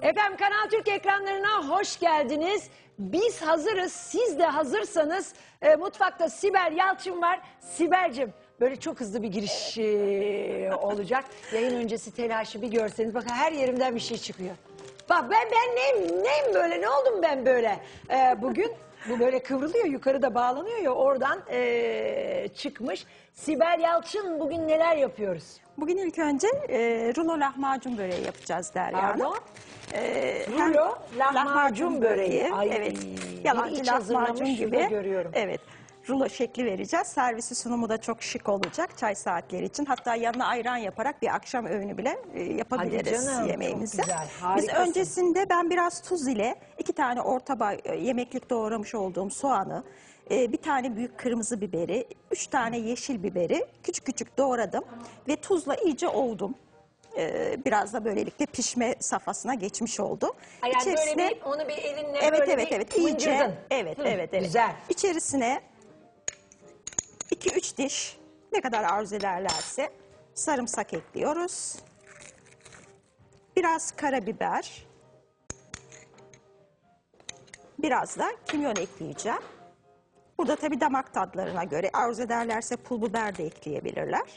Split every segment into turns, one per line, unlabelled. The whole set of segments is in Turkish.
Efendim Kanal Türk ekranlarına hoş geldiniz. Biz hazırız, siz de hazırsanız mutfakta Sibel Yalçın var. Sibel'cim böyle çok hızlı bir giriş olacak. Yayın öncesi telaşı bir görseniz bakın her yerimden bir şey çıkıyor. Bak ben neyim böyle, ne oldum ben böyle bugün? Bu böyle kıvrılıyor, yukarıda bağlanıyor ya, oradan çıkmış. Sibel Yalçın, bugün neler yapıyoruz?
Bugün ilk önce rulo lahmacun böreği yapacağız Derya Hanım.
Pardon? Rulo lahmacun böreği. Ay,
evet. Yalancı
iç
lahmacun
hazırlamış
gibi.
görüyorum.
Evet. Rulo şekli vereceğiz. Servisi sunumu da çok şık olacak çay saatleri için. Hatta yanına ayran yaparak bir akşam öğünü bile yapabiliriz
canım,
yemeğimizi.
çok güzel,
Biz
harikasın.
öncesinde ben biraz tuz ile 2 tane orta boy yemeklik doğramış olduğum soğanı, bir tane büyük kırmızı biberi, 3 tane yeşil biberi küçük küçük doğradım ve tuzla iyice ovdum. Biraz da böylelikle pişme safhasına geçmiş oldu.
Yani
İçerisine,
böyle onu bir elinle
evet
böyle
evet
bir
iyice
mıncırdın.
evet.
Güzel.
İçerisine 2-3 diş ne kadar arzu ederlerse sarımsak ekliyoruz. Biraz karabiber. Biraz da kimyon ekleyeceğim. Burada tabii damak tadlarına göre arzu ederlerse pul biber de ekleyebilirler.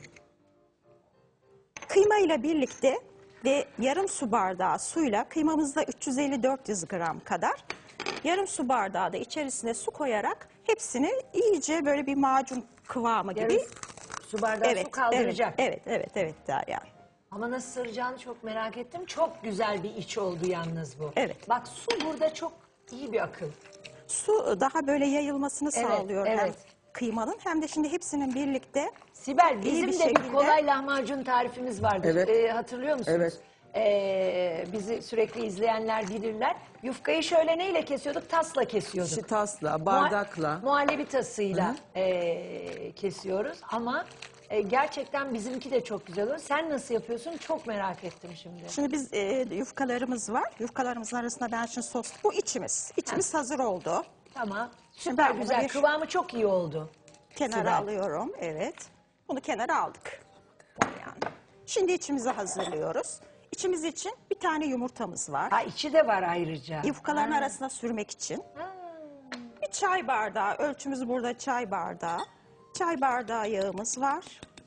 Kıyma ile birlikte ve yarım su bardağı suyla, kıymamızda 350-400 gram kadar, yarım su bardağı da içerisine su koyarak hepsini iyice böyle bir macun kıvamı gibi.
Yarım su bardağı su kaldıracak.
Evet Derya.
Ama nasıl sıracağını çok merak ettim. Çok güzel bir iç oldu yalnız bu.
Evet.
Bak su burada çok iyi bir akıl.
Su daha böyle yayılmasını
Evet,
sağlıyor hem
evet.
kıymanın hem de şimdi hepsinin birlikte.
Sibel,
İyi
bizim
bir
de bir
şekilde.
kolay lahmacun tarifimiz vardır.
Evet.
Hatırlıyor musunuz?
Evet.
Bizi sürekli izleyenler bilirler. Yufkayı şöyle neyle kesiyorduk? Tasla kesiyorduk.
Tasla, bardakla.
Muhallebi tasıyla kesiyoruz ama gerçekten bizimki de çok güzel olur. Sen nasıl yapıyorsun? Çok merak ettim şimdi.
Şimdi biz yufkalarımız var. Yufkalarımızın arasında ben şimdi sos. Bu içimiz. İçimiz hazır oldu.
Tamam.
Şimdi
Süper
ben bunu
güzel.
bir
Kıvamı çok iyi oldu.
kenara
Sibel.
alıyorum. Evet. Bunu kenara aldık. Yani. Şimdi içimizi hazırlıyoruz. İçimiz için bir tane yumurtamız var.
Ha, içi de var ayrıca.
Yufkaların arasına sürmek için. Bir çay bardağı, ölçümüz burada çay bardağı. Çay bardağı yağımız var.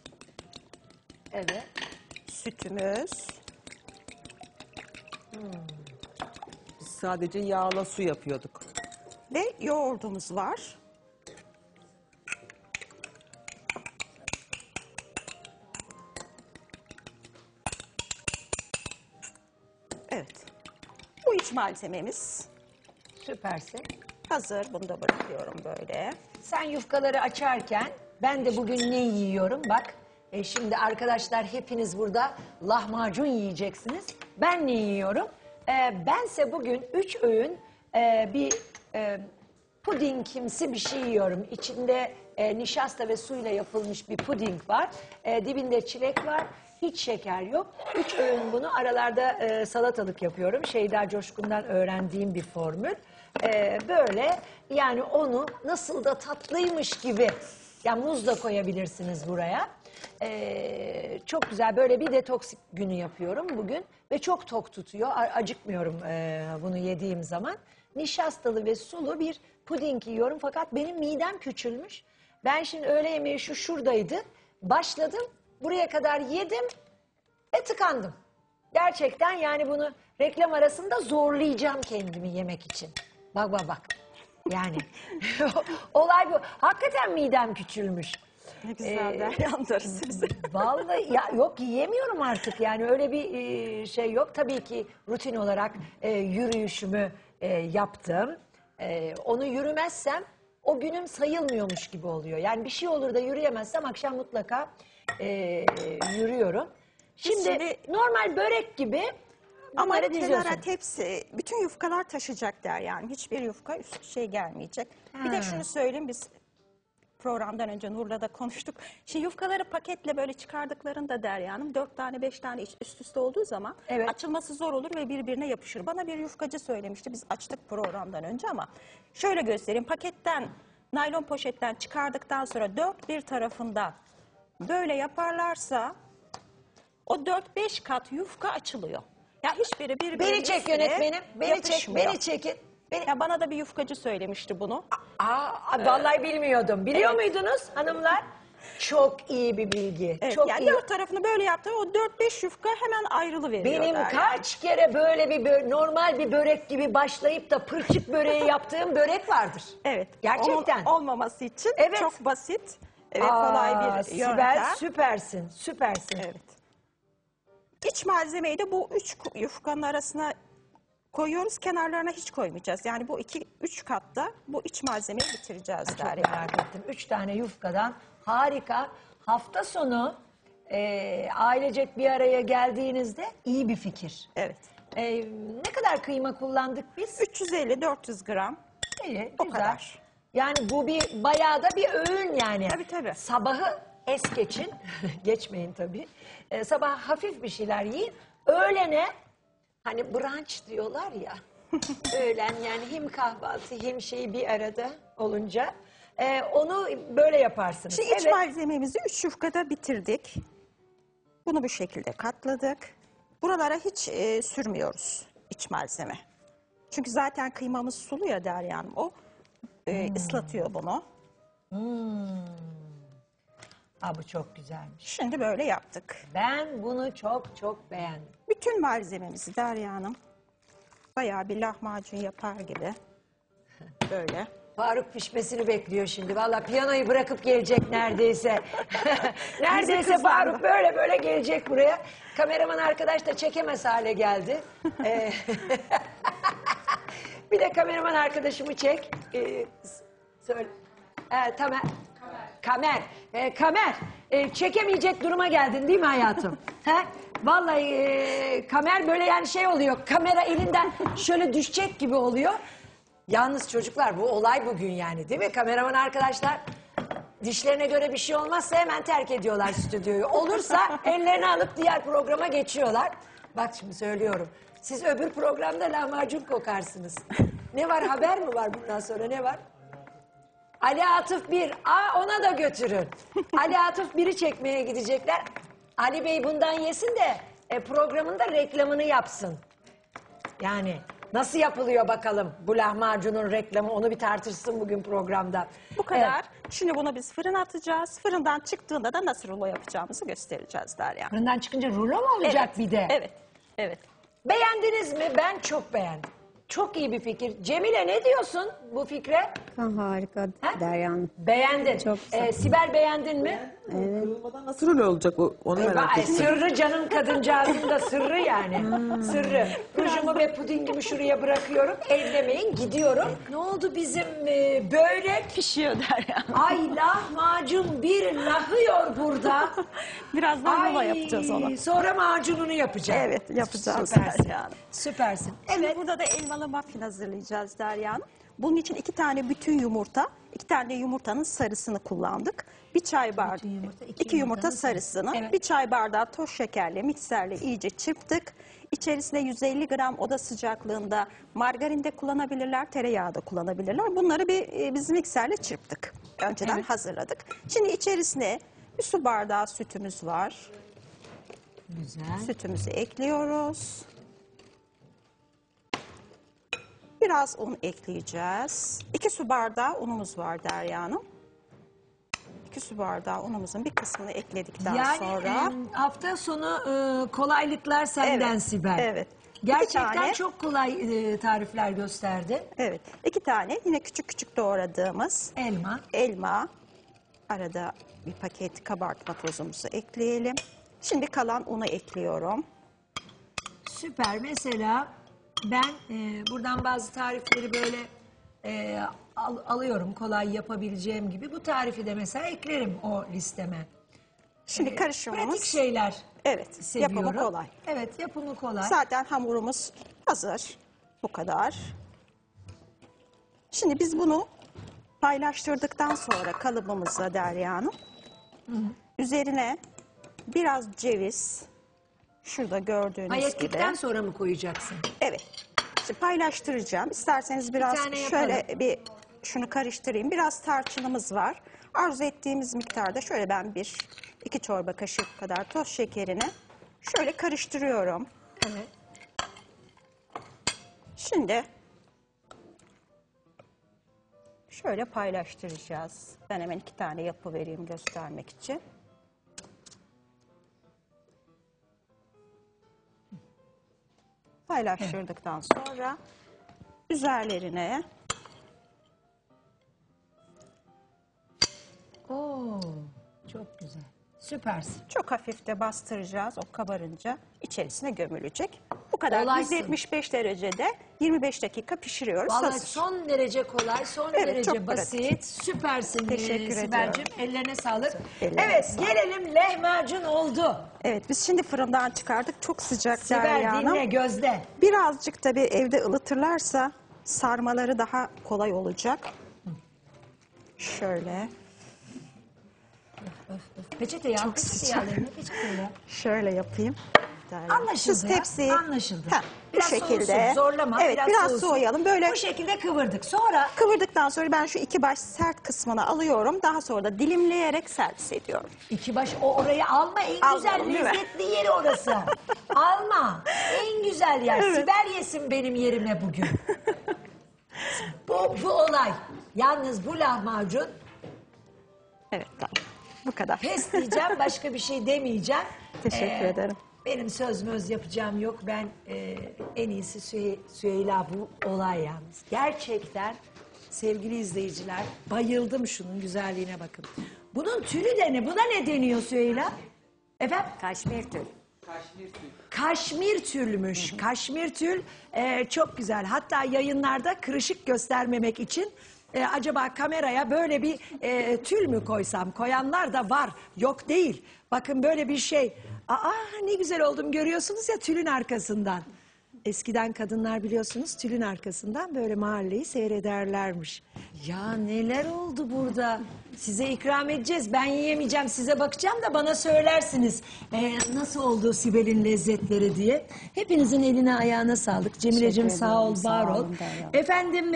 Evet.
Sütümüz.
Biz sadece yağla su yapıyorduk.
Ve yoğurdumuz var. Evet. Bu iç malzememiz
Süpersin.
hazır. Bunu da bırakıyorum böyle.
Sen yufkaları açarken ben de bugün ne yiyorum bak. Şimdi arkadaşlar hepiniz burada lahmacun yiyeceksiniz. Ben ne yiyorum? Bense bugün 3 öğün bir pudingimsi bir şey yiyorum. İçinde nişasta ve suyla yapılmış bir puding var. Dibinde çilek var. Hiç şeker yok. 3 öğün bunu aralarda salatalık yapıyorum. Şeyda Coşkun'dan öğrendiğim bir formül. Böyle yani onu nasıl da tatlıymış gibi, yani muz da koyabilirsiniz buraya. Çok güzel böyle bir detoks günü yapıyorum bugün ve çok tok tutuyor, acıkmıyorum bunu yediğim zaman. Nişastalı ve sulu bir puding yiyorum fakat benim midem küçülmüş. Ben şimdi öğle yemeği şuradaydı, başladım, buraya kadar yedim ve tıkandım. Gerçekten yani bunu reklam arasında zorlayacağım kendimi yemek için. Bak. Yani olay bu. Hakikaten midem küçülmüş.
Ne güzel Deryan'dır siz.
Vallahi ya yok, yiyemiyorum artık yani öyle bir şey yok. Tabii ki rutin olarak yürüyüşümü yaptım. Onu yürümezsem o günüm sayılmıyormuş gibi oluyor. Yani bir şey olur da yürüyemezsem akşam mutlaka yürüyorum. Şimdi normal börek gibi
Ama
bunları diziyorsun.
kenara tepsi, bütün yufkalar taşıyacak yani. Hiçbir yufka üst şey gelmeyecek. Bir de şunu söyleyeyim, biz programdan önce Nur'la da konuştuk. Şimdi yufkaları paketle böyle çıkardıklarında Derya Hanım 4 tane 5 tane üst üste olduğu zaman
Evet.
açılması zor olur ve birbirine yapışır. Bana bir yufkacı söylemişti, biz açtık programdan önce ama şöyle göstereyim. Paketten, naylon poşetten çıkardıktan sonra dört bir tarafından böyle yaparlarsa o 4-5 kat yufka açılıyor. Ya hiçbiri
Beni
birbirine
çek yönetmenim. Beni çek,
yapışmıyor.
beni çekin. Beni...
Ya bana da bir yufkacı söylemişti bunu.
Vallahi bilmiyordum. Biliyor muydunuz hanımlar? Çok iyi bir bilgi.
Evet,
Çok
yani
iyi.
dört tarafını böyle yaptı. O 4-5 yufka hemen ayrılıveriyor.
Benim
yani.
kaç kere böyle bir normal bir börek gibi başlayıp da pırçık böreği yaptığım börek vardır.
Evet.
Gerçekten.
Onun olmaması için
Evet.
çok basit ve kolay bir
Sibel,
yöntem.
süpersin, süpersin.
Evet. İç malzemeyi de bu 3 yufkanın arasına koyuyoruz. Kenarlarına hiç koymayacağız. Yani bu 2-3 katta bu iç malzemeyi bitireceğiz.
Çok
Derya.
merak ettim. 3 tane yufkadan harika. Hafta sonu ailecek bir araya geldiğinizde iyi bir fikir.
Evet.
Ne kadar kıyma kullandık biz?
350-400 gram.
İyi,
O
güzel.
kadar.
Yani bu bir bayağı da bir öğün yani.
Tabii, tabii.
Sabahı es geçin. Geçmeyin tabii. Sabah hafif bir şeyler yiyin. Öğlene hani brunch diyorlar ya. Öğlen yani hem kahvaltı hem şey bir arada olunca onu böyle yaparsınız.
Şimdi iç malzememizi 3 yufkada bitirdik. Bunu bu şekilde katladık. Buralara hiç sürmüyoruz iç malzeme. Çünkü zaten kıymamız sulu ya Derya Hanım. O ıslatıyor bunu.
Bu çok güzelmiş.
Şimdi böyle yaptık.
Ben bunu çok çok beğendim.
Bütün malzememizi Derya Hanım bayağı bir lahmacun yapar gibi böyle.
Faruk pişmesini bekliyor şimdi. Vallahi piyanoyu bırakıp gelecek neredeyse. Neredeyse
kızlardı.
Faruk böyle böyle gelecek buraya. Kameraman arkadaş da çekemez hale geldi. Bir de kameraman arkadaşımı çek. Söyle. Tamer. Kamer. Kamer. Çekemeyecek duruma geldin değil mi hayatım? He? Vallahi Kamer böyle yani şey oluyor. Kamera elinden şöyle düşecek gibi oluyor. Yalnız çocuklar bu olay bugün yani değil mi? Kameraman arkadaşlar dişlerine göre bir şey olmazsa hemen terk ediyorlar stüdyoyu. Olursa ellerini alıp diğer programa geçiyorlar. Bak şimdi söylüyorum. Siz öbür programda lahmacun kokarsınız. Ne var, haber mi var bundan sonra, ne var? Ali Atıf 1. Ona da götürün. Ali Atıf 1'i çekmeye gidecekler. Ali Bey bundan yesin de programında reklamını yapsın. Yani nasıl yapılıyor bakalım bu lahmacunun reklamı, onu bir tartışsın bugün programda.
Bu kadar. Şimdi bunu biz fırına atacağız. Fırından çıktığında da nasıl rulo yapacağımızı göstereceğiz Derya.
Fırından çıkınca rulo mu olacak bir de?
Evet. Evet.
Beğendiniz mi? Ben çok beğendim. Çok iyi bir fikir. Cemile ne diyorsun bu fikre?
Harika
Ha?
Derya Hanım.
Beğendin.
Çok güzel.
Sibel beğendin mi?
Kırılmadan nasıl rulo olacak onu merak ettim.
Sırrı canım kadıncağızın da sırrı yani. Sırrı. Rujumu ve pudingimi şuraya bırakıyorum. Ellemeyin, gidiyorum. Ne oldu bizim börek?
Pişiyor Derya.
Ay lahmacun bir lahıyor burada.
Birazdan rulo yapacağız onu.
Sonra macununu yapacağız.
Evet, yapacağız
Süpersin.
Derya Hanım.
Süpersin.
Şimdi
Evet.
burada da elmalı muffin hazırlayacağız Derya Hanım. Bunun için 2 tane bütün yumurta, 2 tane de yumurtanın sarısını kullandık. Bir çay bardağı,
yumurta,
2 yumurta sarısını,
Evet.
bir çay bardağı toz şekerle, mikserle iyice çırptık. İçerisine 150 gram oda sıcaklığında margarin de kullanabilirler, tereyağı da kullanabilirler. Bunları biz mikserle çırptık. Önceden hazırladık. Şimdi içerisine bir su bardağı sütümüz var.
Güzel.
Sütümüzü ekliyoruz. Biraz un ekleyeceğiz. 2 su bardağı unumuz var Derya Hanım. 2 su bardağı unumuzun bir kısmını ekledikten
Yani
sonra...
hafta sonu kolaylıklar senden
Evet,
Sibel.
evet.
Gerçekten
2 tane,
çok kolay tarifler gösterdi.
evet, 2 tane yine küçük küçük doğradığımız elma. Arada bir paket kabartma tozumuzu ekleyelim. Şimdi kalan unu ekliyorum.
Süper. Mesela ben buradan bazı tarifleri böyle alıyorum kolay yapabileceğim gibi. Bu tarifi de mesela eklerim o listeme.
Şimdi karışımımız...
Pratik şeyler
Evet,
seviyorum.
yapımı kolay.
Evet, yapımı kolay.
Zaten hamurumuz hazır. Bu kadar. Şimdi biz bunu paylaştırdıktan sonra kalıbımıza Derya Hanım, üzerine biraz ceviz, şurada gördüğünüz
Hayettikten
gibi.
sonra mı koyacaksın?
Evet. Şimdi paylaştıracağım. İsterseniz biraz
tane
şöyle
yapalım.
bir şunu karıştırayım. Biraz tarçınımız var. Arzu ettiğimiz miktarda şöyle ben 2 çorba kaşığı kadar toz şekerini şöyle karıştırıyorum.
Evet.
Şimdi şöyle paylaştıracağız. Ben hemen 2 tane yapıvereyim göstermek için. Paylaştırdıktan sonra üzerlerine
Oo, çok güzel. Süpersin.
çok hafif de bastıracağız. O kabarınca içerisine gömülecek. Bu kadar.
Kolaysın.
175 derecede 25 dakika pişiriyoruz.
Vallahi
Hazır.
son derece kolay, son
Evet,
derece
çok
basit. Süpersin
Teşekkür
Sibel'cim.
ediyorum.
Ellerine sağlık.
Ellerine
Evet,
sağlık.
gelelim lahmacun oldu.
Evet, biz şimdi fırından çıkardık. Çok sıcak
Sibel
Derya Hanım.
dinle gözde.
Birazcık tabii evde ılıtırlarsa sarmaları daha kolay olacak. Şöyle,
Peçeteyi al,
Çok
peçeteyi
sıcak.
al eline, peçeteyi al.
şöyle yapayım. Derya.
Anlaşıldı
Siz
ya,
tepsiyi
anlaşıldı.
bu
Biraz
şekilde.
soğusun, zorlama.
Evet, biraz
soğusun.
soğuyalım. Böyle
Bu şekilde kıvırdık. Sonra
kıvırdıktan sonra ben şu 2 baş sert kısmını alıyorum. Daha sonra da dilimleyerek servis ediyorum.
iki baş orayı alma, en güzel
Almayalım, değil mi?
lezzetli yeri orası. Alma, en güzel yer. Sibel yesin benim yerime bugün. Bu olay. Yalnız bu lahmacun,
Evet, tamam. Bu kadar.
pes diyeceğim, başka bir şey demeyeceğim.
Teşekkür ederim.
Benim söz möz yapacağım yok. Ben en iyisi Süheyla bu olay yalnız. Gerçekten sevgili izleyiciler, bayıldım şunun güzelliğine bakın. Bunun tülü de ne? Buna ne deniyor Süheyla? Efendim?
Kaşmir tül.
Kaşmir tülmüş. Kaşmir tül çok güzel. Hatta yayınlarda kırışık göstermemek için acaba kameraya böyle bir tül mü koysam? Koyanlar da var. Yok değil. Bakın böyle bir şey. Aa, ne güzel oldum görüyorsunuz ya tülün arkasından. Eskiden kadınlar biliyorsunuz tülün arkasından böyle mahalleyi seyrederlermiş. Ya neler oldu burada? Size ikram edeceğiz. Ben yiyemeyeceğim. Size bakacağım da bana söylersiniz. Nasıl oldu Sibel'in lezzetleri diye. Hepinizin eline ayağına sağlık. Cemile'cim
Teşekkür
sağ ol,
ederim,
var
sağ
ol.
olun Derya.
Efendim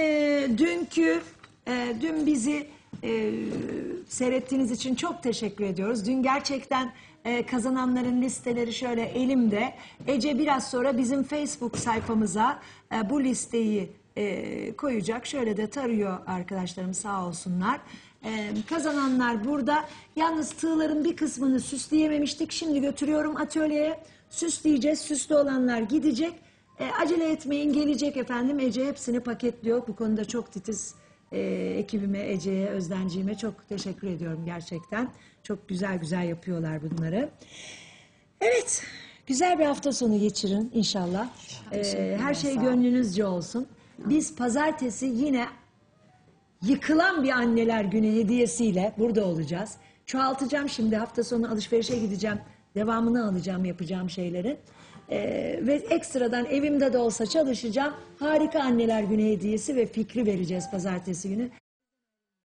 dün bizi seyrettiğiniz için çok teşekkür ediyoruz. Dün gerçekten kazananların listeleri şöyle elimde. Ece biraz sonra bizim Facebook sayfamıza bu listeyi koyacak. Şöyle de tarıyor arkadaşlarım sağ olsunlar. Kazananlar burada. Yalnız tığların bir kısmını süsleyememiştik. Şimdi götürüyorum atölyeye. Süsleyeceğiz. Süslü olanlar gidecek. Acele etmeyin gelecek efendim. Ece hepsini paketliyor. Bu konuda çok titiz. Ekibime, Ece'ye, Özdenciğime çok teşekkür ediyorum gerçekten. Çok güzel güzel yapıyorlar bunları. Evet, güzel bir hafta sonu geçirin inşallah. Her şey gönlünüzce olsun. Biz pazartesi yine yıkılan bir anneler günü hediyesiyle burada olacağız. Çoğaltacağım şimdi, hafta sonu alışverişe gideceğim. Devamını alacağım yapacağım şeyleri. Ve ekstradan evimde de olsa çalışacağım. Harika anneler günü hediyesi ve fikri vereceğiz pazartesi günü.